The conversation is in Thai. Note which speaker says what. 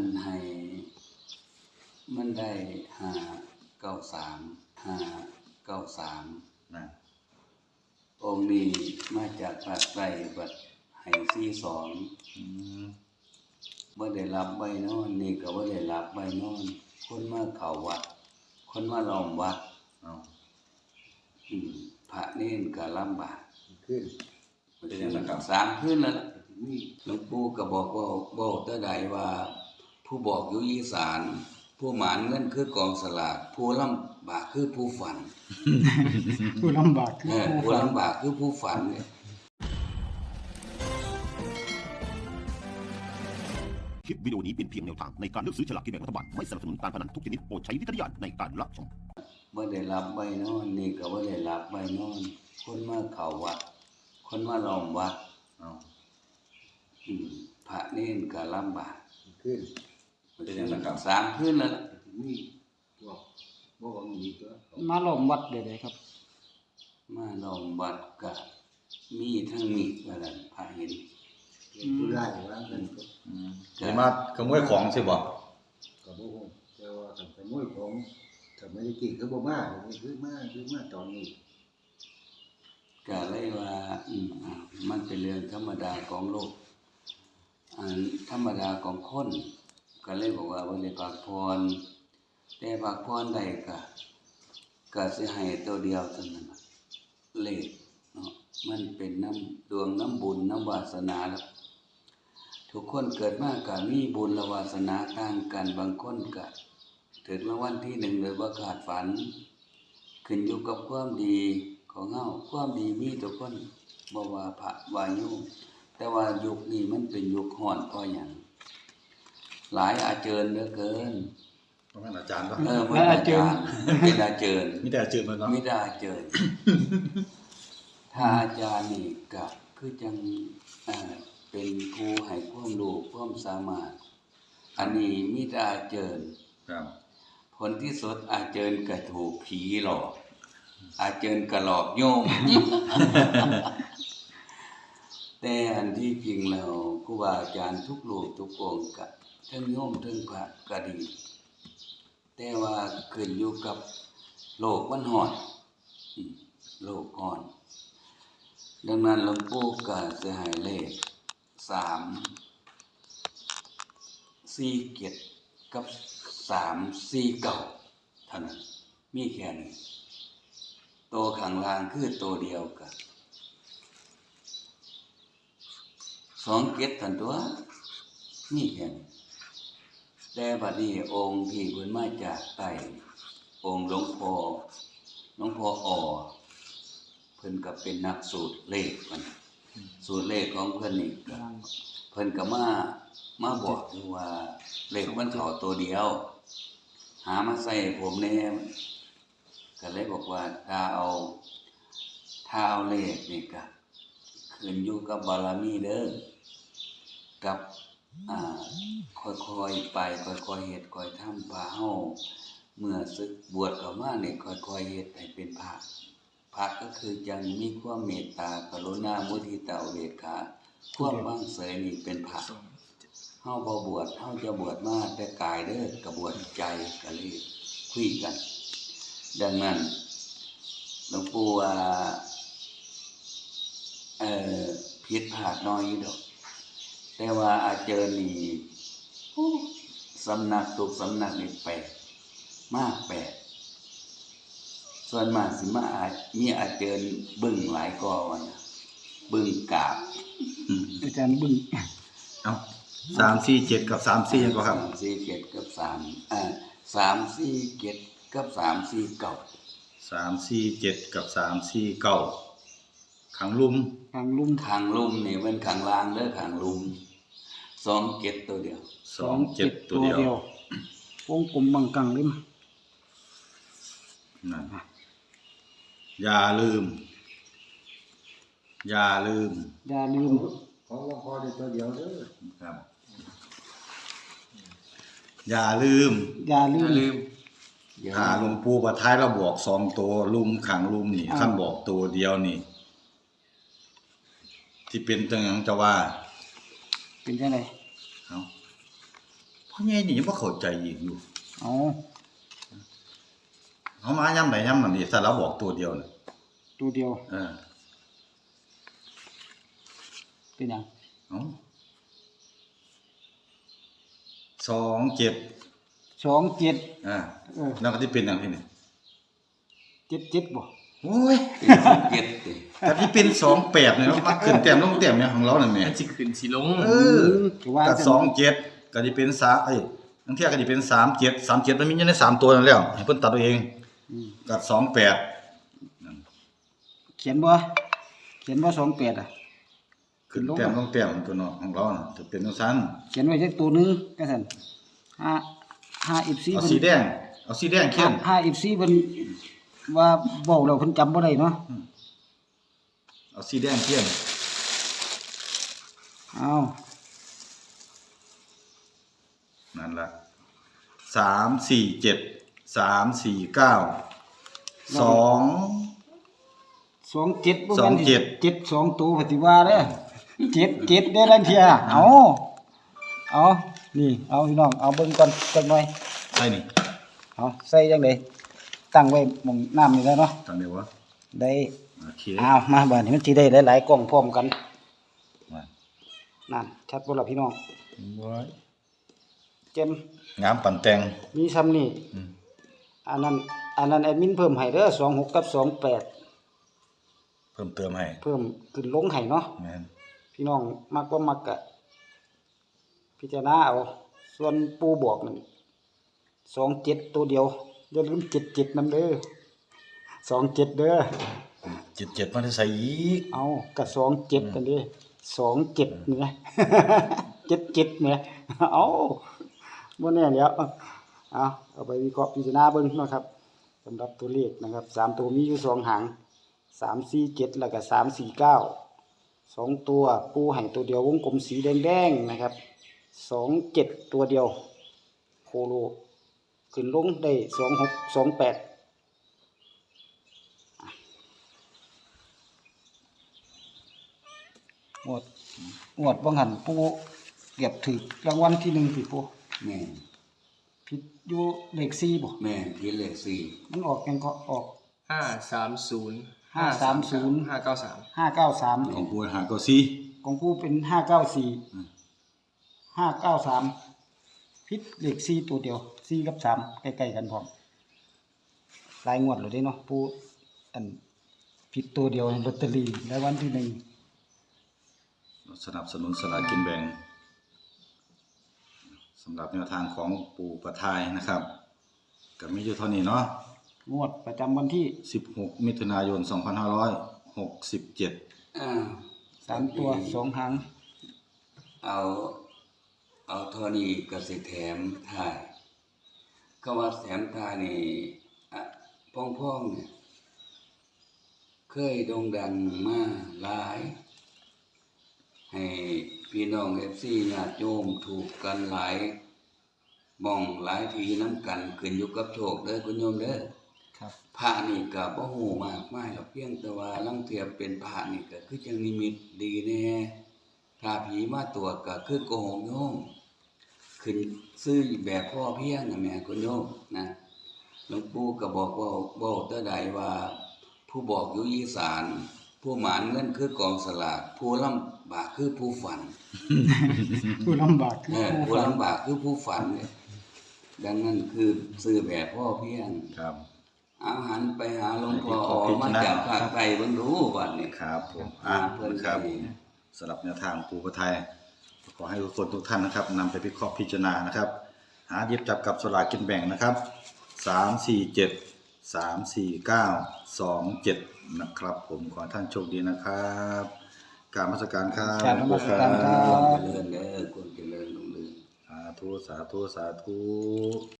Speaker 1: นั้นให้มันได้593
Speaker 2: นะ
Speaker 1: องค์นี้มาจากภาคใต้บัดให้บ่ได้รับใบนอนนี่ก็บ่ได้รับใบนอนคนมาเข้าวัดคนมาล้อมวัดพระเนรก็ลำบาก
Speaker 3: ขึ้น
Speaker 2: เป็นยังไงครับ
Speaker 1: 3คืนแล้วล่ะหลวงปู่ก็บอกว่าบอกแต่ใดว่าผู้บอกอยู่อีสานผู้หมานเงินคือกองสลากผู้ลำบากคือผู้ฝัน
Speaker 4: ผู้ลำบากคือผู้
Speaker 1: ผู้
Speaker 4: ฝัน
Speaker 1: ลำบากคือผู้ฝันเนี่ย
Speaker 5: คลิปวิดีโอนี้เป็นเพียงแนวทางในการเลือกซื้อฉลากกินแบ่งรัฐบาลไม่สนับสนุนการพนันทุกชนิดโปรดใช้วิจารณญาณในการรับชม
Speaker 1: บ่ได้รับใบนอนนี่ก็บ่ได้รับใบนอนคนมาเข้าวัดคนมาล้อมวัดพระเนรก็ลำบาก
Speaker 3: ขึ้น
Speaker 2: เป็นยังไงครับ
Speaker 1: 3คืนแล้วล่ะ
Speaker 3: มีพวกบ่ว่ามีตัว
Speaker 4: มาล้อมวัดเด้ครับ
Speaker 1: มาล้อมวัดก็มีทั้งมีดว่าซั่นพระเห็น
Speaker 3: ผู้ร้ายว่ากันก็
Speaker 2: จะมาขโมยของใช่บ่
Speaker 3: ก็บ่ฮู้แต่ว่าคันขโมยของถ้าไม่ได้กินก็บ่มาคือมาตอนนี้
Speaker 1: ก็เลยว่ามันเป็นเรื่องธรรมดาของโลกธรรมดาของคนก็เลยบอกว่าบ่ได้พักผ่อนแต่พักผ่อนได้ก็สิให้ตัวเดียวเท่านั้นเลขเนาะมันเป็นน้ำดวงน้ำบุญน้ำวาสนาแล้วทุกคนเกิดมาก็มีบุญและวาสนาต่างกันบางคนก็ถึงรางวัลที่1โดยบ่คาดฝันขึ้นอยู่กับความดีของเฮาความดีมีทุกคนบ่ว่าพระว่าโยมแต่ว่ายุคนี้มันเป็นยุคร้อนเพราะหยังหลายอาเจิญเหลือเกิน
Speaker 2: เพราะงั้นอาจารย์ก็
Speaker 1: มันอาจารย์เป็นอาเจิญ
Speaker 2: มีแต่อาจารย์มันเนาะ
Speaker 1: ไม่ได้อาเจิญถ้าอาจารย์นี่ก็คือจังเป็นผู้ให้ความรู้ความสามารถอันนี้มีแต่อาเจิญ
Speaker 2: ครับ
Speaker 1: ผลที่สุดอาเจิญก็ถูกผีหลอกอาเจิญก็หลอกโยม แต่อันที่จริงแล้วครูบาอาจารย์ทุกรูปทุกองค์ก็ทั้งโยมทั้งพระก็ดีแต่ว่าขึ้นอยู่กับโลกมันร้อนโลกร้อนดังนั้นหลวงปู่ก็สิให้เลข347กับ349เท่านั้นมีแค่นี้ตัวข้างล่างคือตัวเดียวกัน27ท่านตัวมีแค่นี้แต่บัดนี้องค์ที่เพิ่นมาจากใต้องค์หลวงพ่ออ้อเพิ่นก็เป็นนักสูตรเลขมันสูตรเลขของเพิ่นนี่ก็เพิ่นก็มาบอกอยู่ว่าเลขมันเข้าตัวเดียว หามาใส่ผมแน่ก็เลยบอกว่าถ้าเอาเลขนี่ก็ขึ้นอยู่กับบารมีเด้อกับค่อยๆไปค่อยๆเฮ็ดค่อยทำพาเฮาเมื่อศึกบวชเข้ามานี่ค่อยๆเฮ็ดให้เป็นพระก็คือจังมีความเมตตากรุณามุทิตาอุเบกขาความว่างเสยนี่เป็นพระเฮาบ่บวชเฮาจะบวชมาแต่กายเด้อก็บวชใจก็เลยคุยกันดังนั้นหลวงปู่ว่าผิดพลาดน้อยอยู่ดอกแต่ว่าอาเจารย์นี่สำนักทุกสำนักนี่แปลกมากแปลกส่วนมากสิมามีอาเจารย์บึ้งหลายกอว่านะบึ้งกาบ
Speaker 4: อาจารย์บึ้ง
Speaker 2: เอ้า347กับ34ยังก็ครับ
Speaker 1: 347กับ347กับ349
Speaker 2: 347กับ349ขังลุม
Speaker 4: ทางลุ่ม
Speaker 1: ข้างลุ่มนี่มันข้างล่างเด้อข้างลุ่ม27ตัวเดียว
Speaker 2: 27ตัวเดียว
Speaker 4: วงกลมบางกลางเล่ม
Speaker 2: นั่นอย่าลืม
Speaker 4: อย่าลืม
Speaker 3: ของหลวงพ่อได้ตัวเดียวเด้อ
Speaker 2: ครับ อย่าลืม ถ้าหลวงปู่ประท้ายเราบอก2ตัวลุมขังลุมนี่คันบอกตัวเดียวนี่ ที่เป็นจังหยังจะว่า
Speaker 4: เป็นจังได๋
Speaker 2: เอ้าพใหญ่นี่ยังบ่เข้าใจอีกอยู่
Speaker 4: เอา
Speaker 2: เฮามายามใดยามนั้นนี่ถ้าเราบอกตัวเดียวน่ะ
Speaker 4: ตัวเดียว เป็นหยัง
Speaker 2: เอ้า27
Speaker 4: 27
Speaker 2: แล้วก็สิเป็นหยังที่นี่
Speaker 4: 77บ่
Speaker 2: โอ้ย
Speaker 1: เจ็ดติ
Speaker 2: แต่ที่เป็น28เนี่ยมันขึ้นแต้มลงแต้มเนี่ยของเรานั่นแหม
Speaker 6: มันสิขึ้นสิลง
Speaker 4: ก็ว่า
Speaker 2: ก็
Speaker 4: จัง
Speaker 2: 27ก็สิเป็นบางเที่ยก็สิเป็น37มันมีอยู่ใน3ตัวนั่นแล้วให้เพิ่นตัดเอาเองก็28
Speaker 4: เขียนบ่28อ่ะ
Speaker 2: ขึ้นแต้มลงแต้มตัวเนาะของเราน่ะจะเป็นจังซั่น
Speaker 4: เขียนไว้จักตัวหนึงจังซั่น5 FC
Speaker 2: เอา
Speaker 4: เพิ่น
Speaker 2: สีแดงเขียน
Speaker 4: 5 FC เพิ่นว่าเว้าแล้วเพิ่นจำบ่ได้เนาะ
Speaker 2: เอาสีแดงเขียน
Speaker 4: เอา
Speaker 2: นั่นล่ะ347 349
Speaker 4: 27บ่แม่น
Speaker 2: 27
Speaker 4: 7 2ตัวปฏิว่าเด้อ7ได้ลังเที่ยเอานี่เอาพี่น้องเอาเบิ่งก่อนจักหน่อย
Speaker 2: ใส่นี่
Speaker 4: เอาใส่จังได๋ตั้งไว้หม้องน้ำนี่แล้วเนาะ
Speaker 2: ตั้งได้บ่
Speaker 4: ได้
Speaker 2: โอเค
Speaker 4: เอามาบัดนี้มันสิได้หลายๆกล้องพร้อมกัน
Speaker 2: มา
Speaker 4: นั่นชัดบ่ล่ะพี่น้อง
Speaker 2: บ่
Speaker 4: เจ็ม
Speaker 2: งามปั่นแตง
Speaker 4: มีซ้ำนี่อันนั้นแอดมินเพิ่มให้เด้อ26กับ28
Speaker 2: เพิ่มเติมให้
Speaker 4: เพิ่มขึ้นลงให้เนาะ
Speaker 2: แม่น
Speaker 4: พี่น้องมักบ่มักก็พิจารณาเอาส่วนปูบอกนั่น27ตัวเดียวอย่าลืม77นำเด้อ27เด้อ
Speaker 2: 77มันได้ใส่อีก
Speaker 4: เอาก็27กันเด้27นี่นะ 77เนี่ยเอาบ่แน่แล้วเอาไปวิเคราะห์พิจารณาเบิ่งเนาะครับสำหรับตัวเลขนะครับ3ตัวมีอยู่2หาง347แล้วก็349 2ตัวปูให้ตัวเดียววงกลมสีแดงๆนะครับ27ตัวเดียวโคโลขึ้นลงได้26 28งวดบ่หันปูเก็บถูกรางวัลที่1สิปู
Speaker 1: แม่น
Speaker 4: ผิดอยู่เลข4บ่
Speaker 1: แม่นที่เลขสี่
Speaker 4: มันออกยังก็ออก
Speaker 6: 530
Speaker 4: 530
Speaker 6: 593
Speaker 4: 593
Speaker 2: ของกูหาก็ซี่
Speaker 4: ของกูเป็น594 593ผิดเลข4ตัวเดียว4กับ3ใกล้ๆกันพร้อมหลายงวดเลยเด้เนาะปูอันผิดตัวเดียวลอตเตอรี่รางวัลที่1
Speaker 2: สนับสนุนสลากกินแบ่งสำหรับแนวทางของปู่ประทายนะครับก็มีอยู่เท่านี้เนาะ
Speaker 4: งวดประจำวันที่
Speaker 2: 16 มิถุนายน 2567
Speaker 4: 3ตัว2หาง
Speaker 1: เอาเท่านี้ก็สิแถมถ่ายก็ว่าแถมถ่ายนี่พ่องๆเนี่ยเคยโด่งดังมาหลายให้พี่น้อง FC ญาติโยมถูกกันหลายหม่องหลายทีนำกันขึ้นอยู่กับโชคเด้อคุณโยมเด้อ
Speaker 4: ครับ
Speaker 1: พระนี่ก็บ่ฮู้มากมายหรอกเพียงแต่ว่าลางเทียเป็นพระนี่ก็คือจังนิมิตดีแน่ถ้าผีมาตรวจก็คือโกหกโยมขึ้นซื้อแบบพ่อเพียงน่ะแม่คุณโยมนะหลวงปู่ก็บอกว่าแต่ใดว่า ผู้บอกอยู่อีสานผู้หมานเงินคือกองสลากผู้ลำบากคือผู้ฝัน
Speaker 4: ผู้ลำบากคือผู้
Speaker 1: ผู้
Speaker 4: ฝัน
Speaker 1: ลำบากคือผู้ฝันเนี่ยดังนั้นคือซื้อแบบพ่อเพียง
Speaker 2: ครับ
Speaker 1: อาหารไปหาหลวงพ่อมาจากภาคใต้เบิ่งรู้บัดนี้
Speaker 2: ครับผม
Speaker 1: เพิ่น
Speaker 2: ครับ
Speaker 1: ดี
Speaker 2: สำหรับแนวทางปู่ประทายขอให้ทุกคนทุกท่านนะครับนำไปวิเคราะห์พิจารณานะครับ หาหยิบจับกับสลากกินแบ่งนะครับ347 349 27นะครับผมขอให้ท่านโชคดีนะครับกราบนมัสการครับ
Speaker 4: กราบนมัสการครับ
Speaker 1: เจริญเด้อคนเจริญรุ่งเรือง
Speaker 2: สาธุสาธุสาธุ